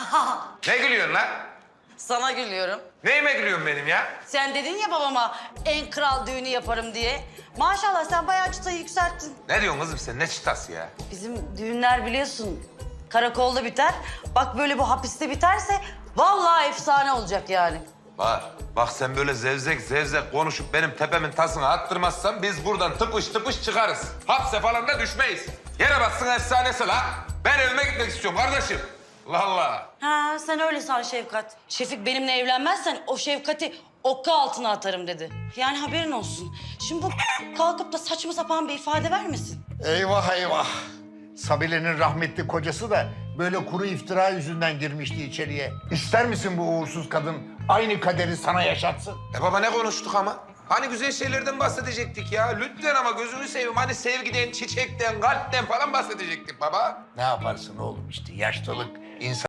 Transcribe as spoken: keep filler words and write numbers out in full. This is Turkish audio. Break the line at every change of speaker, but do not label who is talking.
Ne gülüyorsun lan?
Sana gülüyorum.
Neyime gülüyorsun benim ya?
Sen dedin ya babama en kral düğünü yaparım diye. Maşallah sen bayağı çıtayı yükselttin.
Ne diyorsun kızım sen? Ne çıtası ya?
Bizim düğünler biliyorsun karakolda biter. Bak böyle bu hapiste biterse vallahi efsane olacak yani.
Var. Bak sen böyle zevzek zevzek konuşup benim tepemin tasını attırmazsan biz buradan tıpış tıpış çıkarız. Hapse falan da düşmeyiz. Yere bassın efsanesi la. Ben evime gitmek istiyorum kardeşim. Allah Allah.
Ha sen öyle san Şefkat. Şefik benimle evlenmezsen o Şefkat'i okka altına atarım dedi. Yani haberin olsun. Şimdi bu kalkıp da saçma sapan bir ifade vermesin.
Eyvah eyvah. Sabile'nin rahmetli kocası da böyle kuru iftira yüzünden girmişti içeriye. İster misin bu uğursuz kadın aynı kaderi sana yaşatsın?
E baba ne konuştuk ama? Hani güzel şeylerden bahsedecektik ya. Lütfen ama gözünü seveyim. Hani sevgiden, çiçekten, kalpten falan bahsedecektik baba.
Ne yaparsın oğlum işte yaşlılık insan